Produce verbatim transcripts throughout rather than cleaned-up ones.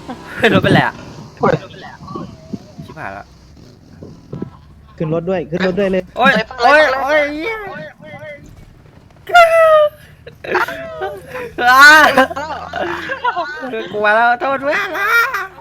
รถเป็นไรอ่ะชิบหายแล้วขึ้นรถด้วยขึ้นรถด้วยเลยโอ้ยโอ้ยโอ้ยกลัวแล้วโทษเพื่อนละ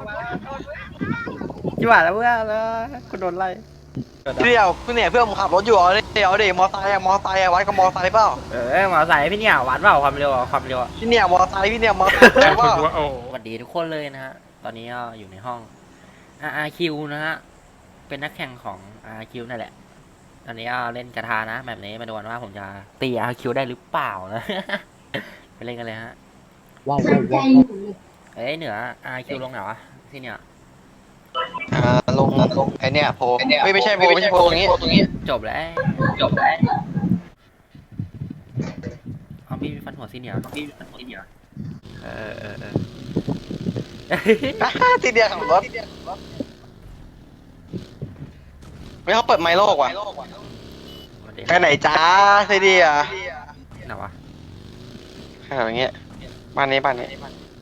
ชิบหายแล้วเพื่อนแล้วกูโดนไล่เดี๋ยวคุณเนี่ยเพื่อนผมขับรถอยู่เอาเดี๋ยวเดี๋ยวมอไซค์อะมอไซค์อะวัดกับมอไซค์เปล่าเออมาใส่พี่เนี่ยวัดเปล่าความเร็วความเร็วพี่เนี่ยมอไซค์พี่เนี่ยมอไซค์เปล่าสวัสดีทุกคนเลยนะฮะตอนนี้ก็อยู่ในห้อง อาร์ คิว นะฮะเป็นนักแข่งของ อาร์ คิว นั่นแหละตอนนี้ก็เล่นกระทานะแบบนี้มาดูกันว่าผมจะตี อาร์ คิว ได้หรือเปล่านะ ไปเล่นกันเลยฮะว้าวว้าวว้าวเอ้ยเหนือ อาร์ คิว ลงไหนวะที่เนี่ยอ่าลงลงไอเนี่ยโพไม่ไม่ใช่โพไม่ใช่โพตรงนี้จบแล้วจบแล้วเอาพี่ฟันหัวซีเนียร์พี่ฟันหัวซีเนียร์เออเออเออทีเดียวขับรถไม่เขาเปิดไมค์โลกว่ะไปไหนจ้าทีเดียวไหนวะขนาดอย่างเงี้ยบ้านนี้บ้านนี้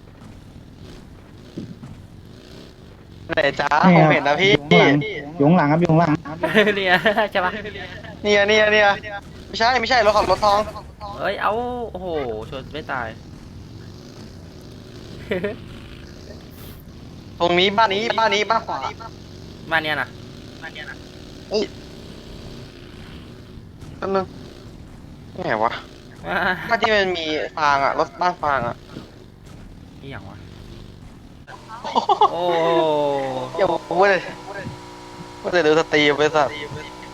ไหนจ้าผมเห็นนะพี่อยู่ข้างหลังครับอยู่ข้างหลังเนี่ยใช่ปะเนี่ยเนี่ยเนี่ยไม่ใช่ไม่ใช่รถขับรถทองเอ้ยเอาโอ้โหชนไม่ตายตรงนี้บ้านนี้บ้านนี้บ้านขวาบ้านเนี้ยนะบ้านเนี้ยนะเฮ้ยนั่นนึงนี่ไงวะบ้านที่มันมีฟางอ่ะรถบ้านฟางอ่ะนี่อย่างวะโอ้อย่าพูดเลยพูดเลยดูสตรีมไปสัตว์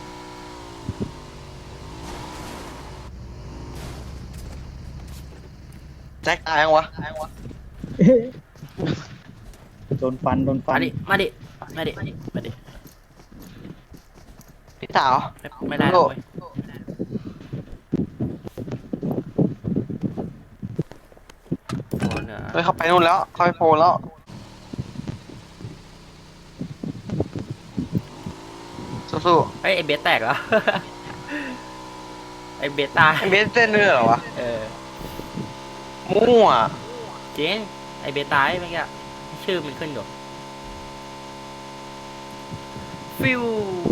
แจ็คตายยังวะโดนฟันโดนฟันมาดิมาดิมาดิมาดิพี่สาวไม่ได้เลยเฮ้ยเขาไปนู่นแล้วเขาไปโพลแล้วสู้ๆเฮ้ยไอเบสแตกเหรอไอเบสตายไอเบสเต้นด้วยเหรอวะเออมั่วจริงไอเบสตายเมื่อกี้ชื่อมันขึ้นอยู่ฟิว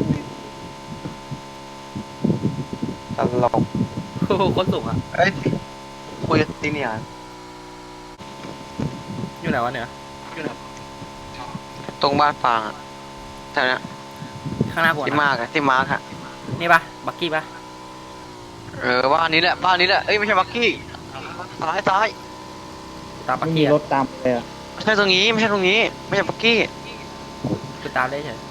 ตลกโอ้โหคนสูงอ่ะเอ้ยคุยตีเนี่ยอยู่ไหนวะเนี่ยตรงบ้านฟางอะแถวนี้ข้างหน้าผมที่มาร์กอะที่มาร์กอะนี่ปะบักกี้ปะเออบ้านนี้แหละบ้านนี้แหละเอ้ยไม่ใช่บักกี้ซ้ายซ้ายตามบักกี้รถตามเลยอะไม่ใช่ตรงนี้ไม่ใช่ตรงนี้ไม่ใช่บักกี้คือตามได้เฉย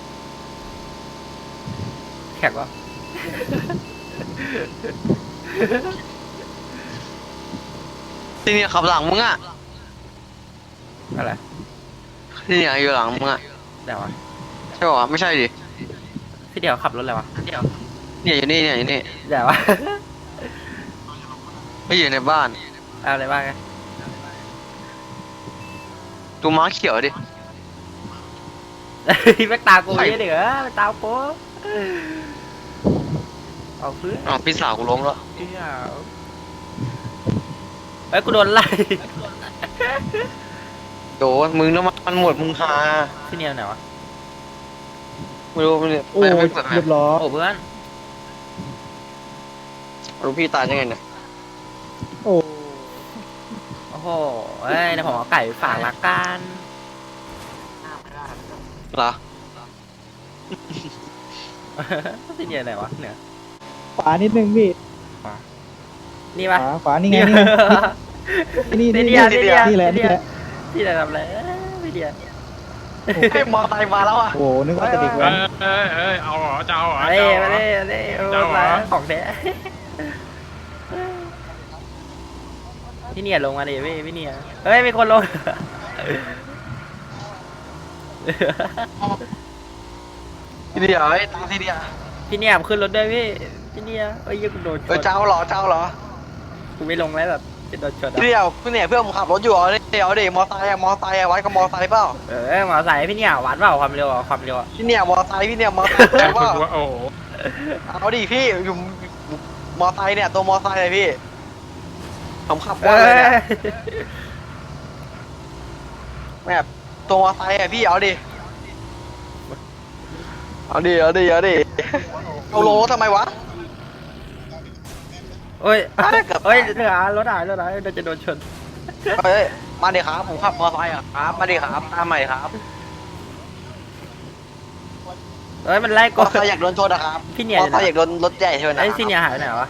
แขกวะที่นี่ขับหลังมึงอะอะไรที่นี่อยู่หลังมึงอะเดี๋ยววะใช่ป่ะไม่ใช่ดิพี่เดี๋ยวขับรถอะไรวะเดี๋ยวเนี่ยอยู่นี่เนี่ยอยู่นี่เดี๋ยววะไม่อยู่ในบ้านเอาอะไรบ้างไงตัวม้าเขียวดิแม็กตากูเยอะเดี๋ยวแม็กตากูเอาเพื่อนอ๋อพี่สาวกูล้มแล้วเอ้ยกูโดนไล่โดนมึงแล้วมันหมดมึงหาที่เนี่ยไหนวะไม่รู้ไม่รู้โอ้ยเรียบร้อยโอ้เพื่อนรู้พี่ตายยังไงเนี่ยโอ้โอ้โหเอ้ยเดี๋ยวผมเอาไก่ฝากละกันเหรอที่เนี่ยไหนวะเนี่ยขวานิดนึงพี่นี่ปะขวานี่ไงนี่นี่นี่นี่นี่แหละนี่แหละที่ไหนทำอะไรพี่เดียเฮ้ยมอไซค์มาแล้วอ่ะโอ้นึกว่าจะเด็กแว้นเอ้ยเอ้ยเอาเหรอจะเอาเหรอเอ้ยมาเล่เล่มาของแท้พี่เนี่ยลงมาดิพี่พี่เนี่ยเฮ้ยมีคนลงทีเดียวไอ้ตาทีเดียวพี่เนี่ยขึ้นรถด้วยพี่พี่เนี่ยเอ้ยยังโดนชนเออเจ้าเหรอเจ้าเหรอกูไม่ลงแล้วแบบจะโดนชนทีเดียวคุณเนี่ยเพื่อนผมขับรถอยู่เอาเดี๋ยวเดี๋ยวมอไซค์อะมอไซค์อะวัดกับมอไซค์เปล่าเออมอไซค์พี่เนี่ยวัดเปล่าความเร็วความเร็วพี่เนี่ยมอไซค์พี่เนี่ยมอไซค์แต่ว่าโอ้เอาดิพี่อยู่มอไซค์เนี่ยตัวมอไซค์เลยพี่ผมขับว่าเลยเนี่ยแบบตัวมอไซค์อะพี่เอาดิเอาดิเอาดิเอาดิเอาโลทำไมวะเอ้ยอ่ะเกือบเอ้ยเหลือรถหายรถหายเราจะโดนชนเฮ้ยมาดิครับผมขับมอไซค์อะครับมาดิครับตามใหม่ครับเอ้ยมันไล่มกอดไซค์อยากโดนชนนะครับพี่เนี่ยมอไซค์อยากโดนรถใหญ่ชนนะไอ้ซีเนียหายไปไหนวะ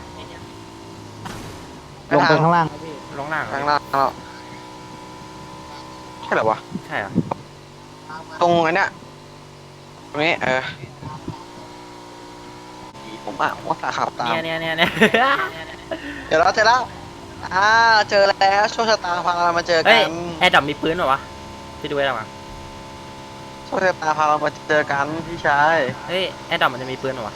ลงไปข้างล่างครับพี่ลงล่างเหรอข้างล่างแล้วใช่เหรอวะใช่เหรอตรงอันเนี้ยตรงนี้เออผมอ่ะว่าสาขับตามเนี่ยเนี่ยเนี่ยเนี่ยเดี๋ยวเราเจอแล้วอ่าเจอแล้วโชคชะตาพาเรามาเจอเฮ้กัยนแอร์ดรอปมีปืนเหรอวะพี่ดูไว้หรอวะโชคชะตาพาเรามาเจอกันพี่ชายเฮ้ยแอร์ดรอปมันจะมีปืนเหรอวะ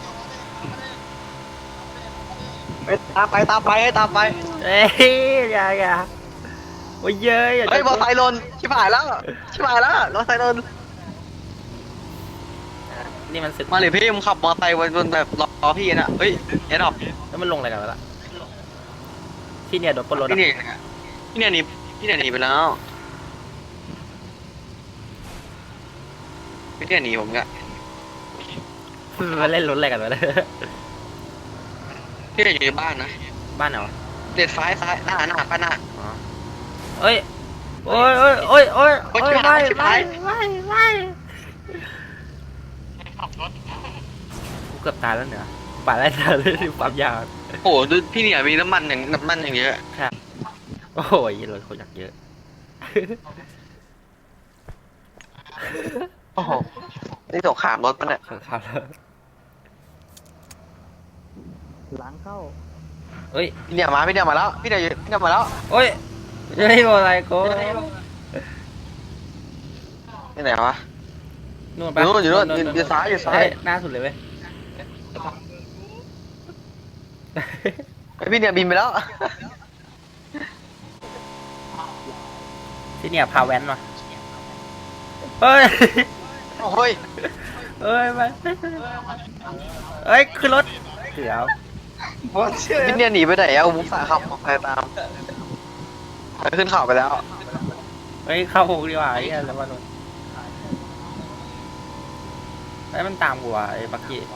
ไปตามไปตามไปให้ตามไปเฮ้ยอย่าอย่าโอ้ยเย้ยอย่าเฮ้ยมอไซค์หล่นชิบหายแล้วชิบหายแล้วมอไซค์หล่นนี่มันสึกมาเลยพี่มึงขับมอไซค์บนแบบรอพี่น่ะเฮ้ยเอ็ดออกแล้วมันลงอะไรกันวะล่ะที่เนี่ยโดนปล้นรถพี่อะเนี่ยพี่เนี่ยหนีพี่เนี่ยหนีไปแล้วพี่เนี่ยหนีผมกะมันเล่นรถอะไรกันวะเนี่ยพี่เนี่ยอยู่ในบ้านนะบ้านไหนวะเด็ดซ้ายซ้ายหน้าหน้าป้าหน้าอ๋อเอ้ยโอ้ยโอ้ยโอ้ยโอ้ยโอ้ยโอ้ยชิบไม่หายชิบไม่หายไม่ไม่กูเกือบตายแล้วเนี่ยป่าไล่ตายเลยความยาวโอ้โหดูพี่เนี่ยมีน้ำมันอย่างน้ำมันอย่างเยอะโอ้ยรถเขาอยากเยอะโอ้โหนี่สงครามรถปะเนี่ยครับแล้วหลังเข้าเฮ้ยพี่เนี่ยมาพี่เนี่ยมาแล้วพี่เนี่ยอยู่พี่เนี่ยมาแล้วโอ้ยเฮ้ยอะไรกูที่ไหนวะนู่นอยู่นู่นอยู่นู่นอยู่อยู่ซ้ายอยู่ซ้ายเฮ้หน้าสุดเลยเว้ยไอพี่เนี่ยบินไปแล้วที่เนี่ยพาแว้นมาเฮ้ยโอ้ยเอ้ยไปเอ้ยขึ้นรถเดี๋ยวพี่เนี่ยหนีไปไหนเอามุกสาขับออกไปตามไปขึ้นเขาไปแล้วเฮ้ยเข้าหกดีกว่าไอ้เหี้ยแล้วว่านนไอ้ยมันตามกูว่ะไอ้บักกี้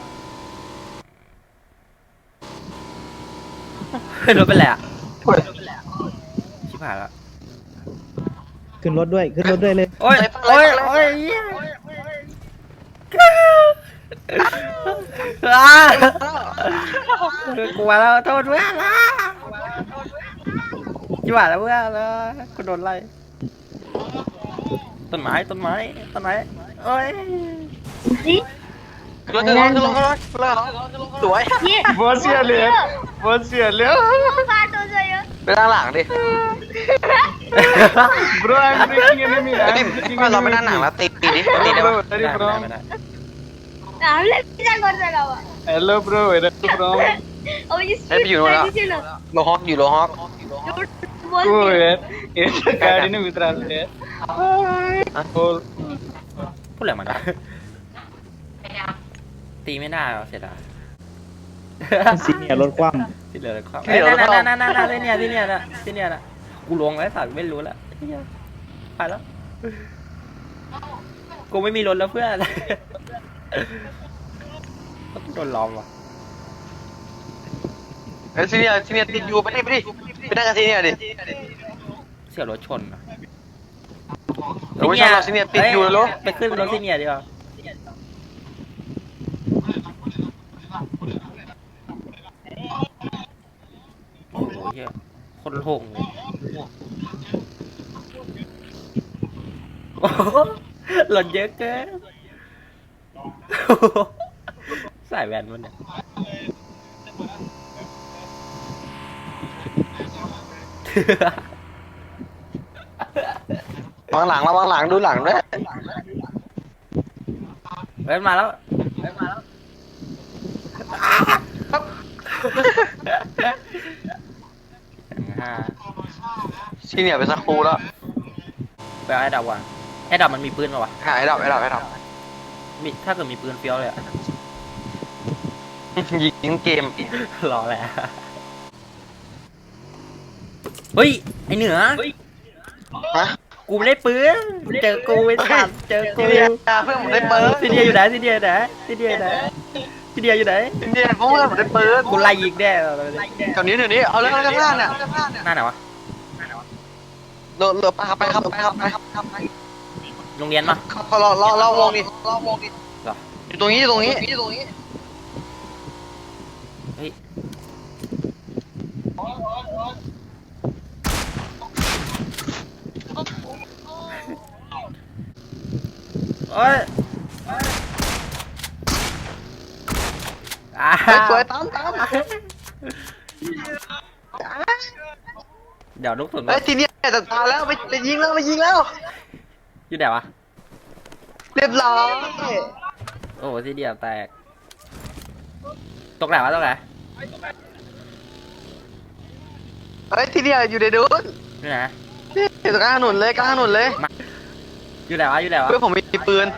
รถเป็นไรอ่ะชิบหายแล้วขึ้นรถด้วย ขึ้นรถด้วยเลยโอ้ยโอ้ยโอ้ยเหี้ยอ่ากลัวแล้วโทษเพื่อนละชิบหายแล้วเพื่อนแล้วกูโดนไล่ต้นไม้ต้นไม้ต้นไม้โอ้ยขึ้นรถขึ้นรถขึ้นรถขึ้นรถขึ้นรถสวย Você ali, você ali. ไปด้านหลังดิ Bro, I'm breaking enemy. ไอ้ I'm ดิ breaking เราไป enemy. ด้านหลังแล้วตีตีดิตีได้ Hello ปะ bro, where are you ไม่ได้ from? ไม่ได้ Hello bro, where are you from? ให้ไปอยู่โน่นแล้วโลฮอกอยู่โลฮอก Oh यार, ये तो गाड़ी ने उतरा लिया. और พูดอะไรมันวะตีไม่ได้หรอเสียดายซีเนียร์รถคว่ที่เหลือเลยครับเอ้ยนั่นนั่นนั่นนั่นนั่นที่เนี่ยที่เนี่ยนะที่เนี่ยนะกูลงแล้วสัตว์ไม่รู้แล้วไอ้เหี้ยไปแล้วกูไม่มีรถแล้วเพื่อนโดนล้อมว่ะไอ้ซีเนียซีเนียติดอยู่ไปดิไปดิไปนั่งกับซีเนียดิเสี่ยวรถชนอ่ะเราไม่ชอบเราซีเนียติดอยู่เลยไปขึ้นรถที่เนี่ยดีกว่าโอ้โหเหี้ยคนโล่งเลยโอ้โหหล่นเยอะเกินใส่แว่นมันเนี่ยวางหลังระวังหลังดูหลังด้วยเว้นมาแล้วเว้นมาแล้วห้าซีเนียไปสักครูแล้วไปเอาไอ้ดับว่ะไอ้ดับมันมีปืนป่าวะหายดับไอ้ดับไอ้ดับมีถ้าเกิดมีปืนเฟี้ยวเลยอะยิงเกมรอแหละเฮ้ยไอเหนือฮะกูไม่ได้ปืนเจอกูไอ้สัตว์เจอกูทีเดียเพื่อนผมได้เปิดซีเดียอยู่ไหนซีเดียอยู่ไหนซีเดียอยู่ไหนซีเดียอยู่ไหนทีเดียเพื่อนผมได้เปิดกูไล่ยิงแน่แถวนี้แถวนี้เอาเรื่องข้างหน้าเนี่ยหน้าไหนวะเรือเรือไปครับไปครับไปครับไปครับไปโรงเรียนปะครับพอเราเราเราวงดิเราวงดิเหรออยู่ตรงนี้อยู่ตรงนี้อยู่ตรงนี้เฮ้ยโอ้ยอ่าเฮ้ยสวยตามตามเดี๋ยวลูกสุนเฮ้ยทีนี้จัดการแล้วไปไปยิงแล้วไปยิงแล้วอยู่ไหนวะเรียบร้อยโอ้ซีเดียแตกตกไหนวะตกไหนเฮ้ยทีนี้อยู่ในนู้นอยู่ไหนอยู่ตรงกลางถนนเลยกลางถนนเลยอยู่ไหนวะอยู่ไหนวะเพื่อนผมมีปืน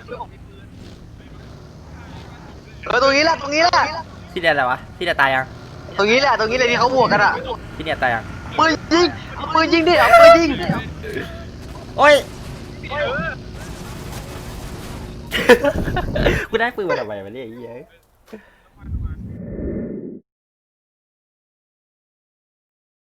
เออตรงนี้แหละตรงนี้แหละซีเดียอะไรวะซีเดียตายยังตรงนี้แหละตรงนี้เลยที่เขาบวกกันอ่ะซีเดียตายยังปืนยิงเอาปืนยิงดิเอาปืนยิงโอ้ย กูได้ปืนมาทำไมวะเนี่ยไอ้เหี้ย